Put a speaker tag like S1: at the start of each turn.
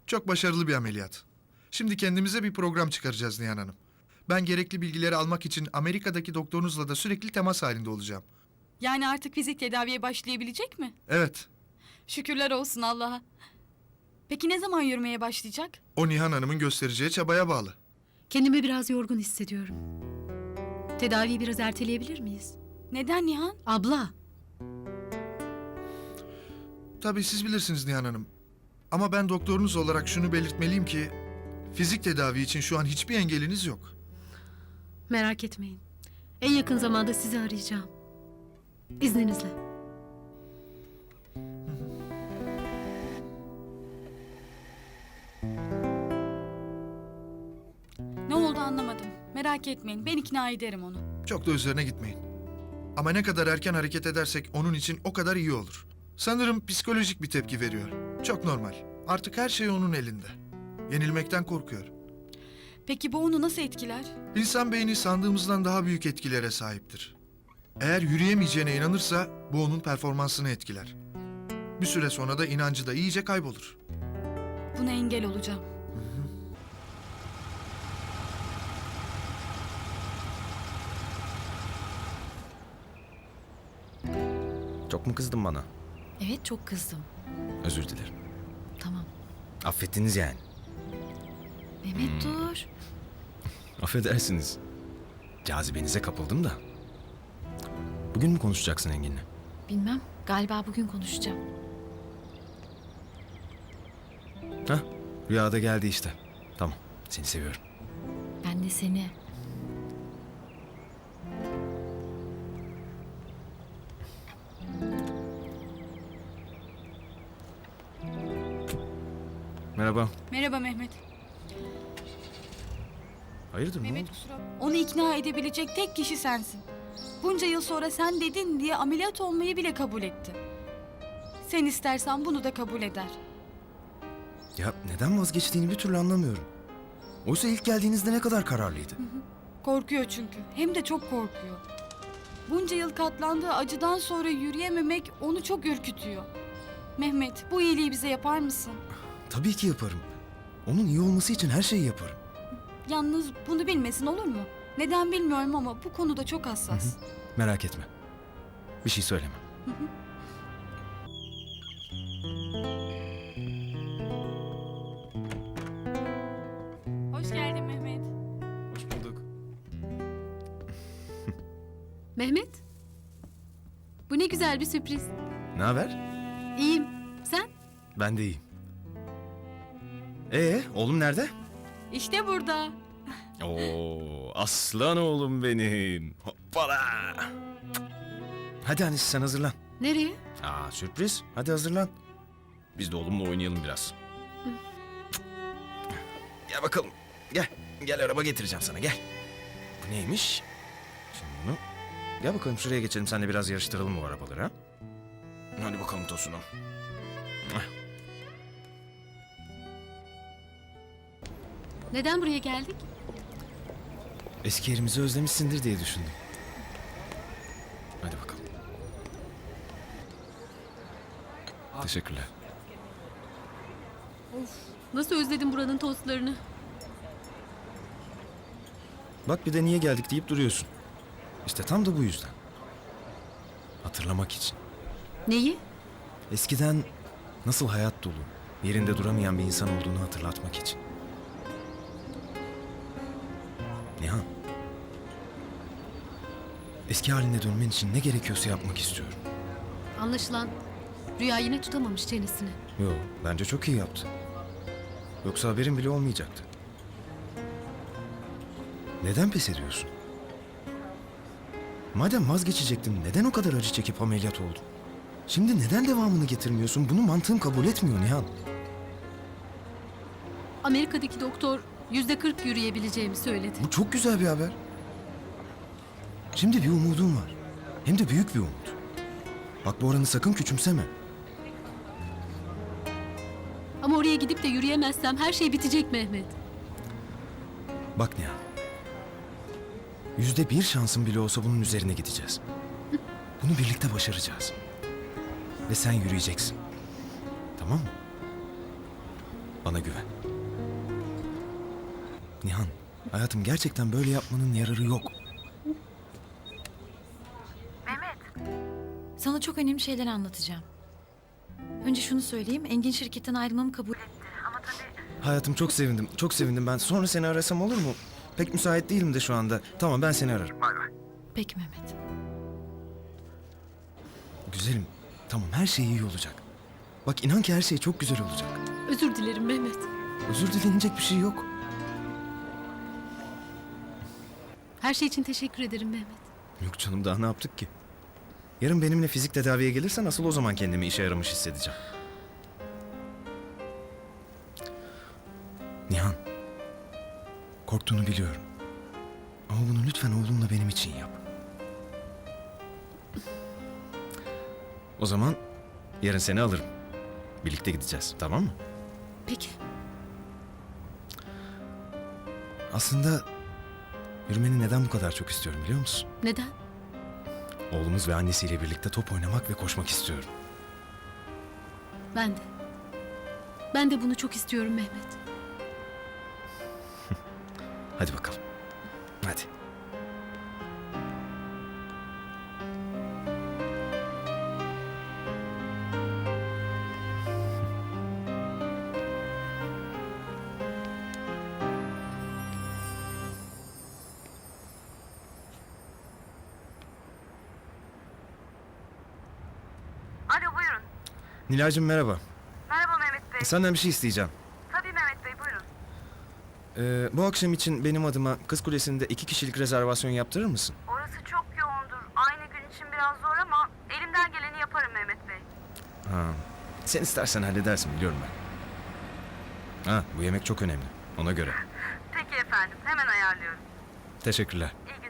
S1: Çok başarılı bir ameliyat. Şimdi kendimize bir program çıkaracağız Nihan Hanım. Ben gerekli bilgileri almak için Amerika'daki doktorunuzla da sürekli temas halinde olacağım.
S2: Yani artık fizik tedaviye başlayabilecek mi?
S1: Evet,
S2: Şükürler olsun Allah'a. Peki ne zaman yürümeye başlayacak?
S1: o Nihan Hanım'ın göstereceği çabaya bağlı.
S3: Kendimi biraz yorgun hissediyorum. Tedaviyi biraz erteleyebilir miyiz?
S2: Neden Nihan?
S3: Abla,
S1: Tabii siz bilirsiniz Nihan Hanım. Ama ben doktorunuz olarak şunu belirtmeliyim ki... ...fizik tedavi için şu an hiçbir engeliniz yok.
S3: merak etmeyin. En yakın zamanda sizi arayacağım. İzninizle.
S2: Ne oldu anlamadım. Merak etmeyin, ben ikna ederim onu.
S1: Çok da üzerine gitmeyin. Ama ne kadar erken hareket edersek onun için o kadar iyi olur. Sanırım psikolojik bir tepki veriyor. Çok normal. Artık her şey onun elinde. Yenilmekten korkuyor.
S2: Peki bu onu nasıl etkiler?
S1: İnsan beyni sandığımızdan daha büyük etkilere sahiptir. Eğer yürüyemeyeceğine inanırsa bu onun performansını etkiler. Bir süre sonra da inancı da iyice kaybolur.
S2: Buna engel olacağım.
S4: Çok mu kızdın bana?
S5: Evet, çok kızdım.
S4: Özür dilerim.
S5: Tamam.
S4: Affettiniz yani.
S5: Mehmet dur.
S4: Affedersiniz. Cazibenize kapıldım da. Bugün mü konuşacaksın Engin'le?
S5: Bilmem. Galiba bugün konuşacağım.
S4: Hah, rüyada geldi işte. Tamam, seni seviyorum.
S5: Ben de seni.
S4: Merhaba.
S2: Merhaba Mehmet.
S4: Hayırdır, ne
S2: Mehmet
S4: oldu?
S2: kusura bakma. Onu ikna edebilecek tek kişi sensin. Bunca yıl sonra sen dedin diye ameliyat olmayı bile kabul etti. Sen istersen bunu da kabul eder.
S4: Ya neden vazgeçtiğini bir türlü anlamıyorum. Oysa ilk geldiğinizde ne kadar kararlıydı.
S2: Korkuyor çünkü. Hem de çok korkuyor. Bunca yıl katlandığı acıdan sonra yürüyememek onu çok ürkütüyor. Mehmet, bu iyiliği bize yapar mısın?
S4: Tabii ki yaparım. Onun iyi olması için her şeyi yaparım.
S2: Yalnız bunu bilmesin olur mu? Neden bilmiyorum ama bu konuda çok hassas.
S4: Merak etme. Bir şey söyleme.
S2: Hoş geldin Mehmet.
S4: Hoş bulduk.
S3: Mehmet, bu ne güzel bir sürpriz.
S4: Ne haber?
S3: İyiyim. Sen?
S4: Ben de iyiyim. Oğlum nerede?
S2: İşte burada.
S4: Oo, aslan oğlum benim. Hoppala. Hadi Anis sen hazırlan.
S3: Nereye?
S4: Aa sürpriz. Hadi hazırlan. Biz de oğlumla oynayalım biraz. Gel bakalım. Gel. Gel araba getireceğim sana gel. Bu neymiş? Şimdi bunu. Gel bakalım şuraya geçelim. Seninle biraz yarıştıralım bu arabaları ha. Hadi bakalım Tosun'um.
S3: Neden buraya geldik?
S4: Eski yerimizi özlemişsindir diye düşündüm. Hadi bakalım. Teşekkürler.
S3: Nasıl özledim buranın tostlarını.
S4: Bak bir de niye geldik deyip duruyorsun. İşte tam da bu yüzden. Hatırlamak için.
S3: Neyi?
S4: Eskiden nasıl hayat dolu, yerinde duramayan bir insan olduğunu hatırlatmak için. Nihan. Eski haline dönmen için ne gerekiyorsa yapmak istiyorum.
S3: Anlaşılan Rüya yine tutamamış çenesini.
S4: Yo, bence çok iyi yaptı. Yoksa haberin bile olmayacaktı. Neden pes ediyorsun? Madem vazgeçecektin, neden o kadar acı çekip ameliyat oldun? Şimdi neden devamını getirmiyorsun? Bunu mantığım kabul etmiyor Nihan.
S3: Amerika'daki doktor %40 yürüyebileceğimi söyledi.
S4: Bu çok güzel bir haber. Şimdi bir umudum var. Hem de büyük bir umut. Bak bu oranı sakın küçümseme.
S3: Ama oraya gidip de yürüyemezsem her şey bitecek Mehmet.
S4: Bak Nihan. %1 şansın bile olsa bunun üzerine gideceğiz. Bunu birlikte başaracağız. Ve sen yürüyeceksin. Tamam mı? Bana güven. Nihan, hayatım gerçekten böyle yapmanın yararı yok.
S5: Sana çok önemli şeyler anlatacağım. Önce şunu söyleyeyim. Engin şirketten ayrılmamı kabul etti.
S4: Hayatım çok sevindim, çok sevindim ben. Sonra seni arasam olur mu? Pek müsait değilim de şu anda. Tamam ben seni ararım.
S5: Peki Mehmet.
S4: Güzelim, tamam her şey iyi olacak. Bak inan ki her şey çok güzel olacak.
S3: Özür dilerim Mehmet.
S4: Özür dilenecek bir şey yok.
S3: Her şey için teşekkür ederim Mehmet.
S4: Yok canım daha ne yaptık ki? Yarın benimle fizik tedaviye gelirsen asıl o zaman kendimi işe yaramış hissedeceğim. Nihan, korktuğunu biliyorum. Ama bunu lütfen oğlumla benim için yap. O zaman yarın seni alırım. Birlikte gideceğiz, tamam mı?
S3: Peki.
S4: Aslında yürümeni neden bu kadar çok istiyorum biliyor musun?
S3: Neden?
S4: Oğlumuz ve annesiyle birlikte top oynamak ve koşmak istiyorum.
S3: Ben de. Ben de bunu çok istiyorum Mehmet.
S4: Hadi bakalım. Hadi.
S6: Alo buyurun.
S4: Nilay'cığım merhaba.
S6: Merhaba Mehmet Bey.
S4: Senden bir şey isteyeceğim.
S6: Tabii Mehmet Bey buyurun.
S4: Bu akşam için benim adıma Kız Kulesi'nde 2 kişilik rezervasyon yaptırır mısın?
S6: Orası çok yoğundur. Aynı gün için biraz zor ama elimden geleni yaparım Mehmet Bey.
S4: Ha. Sen istersen halledersin biliyorum ben. Ha, bu yemek çok önemli. Ona göre.
S6: Peki efendim hemen ayarlıyorum.
S4: Teşekkürler.
S6: İyi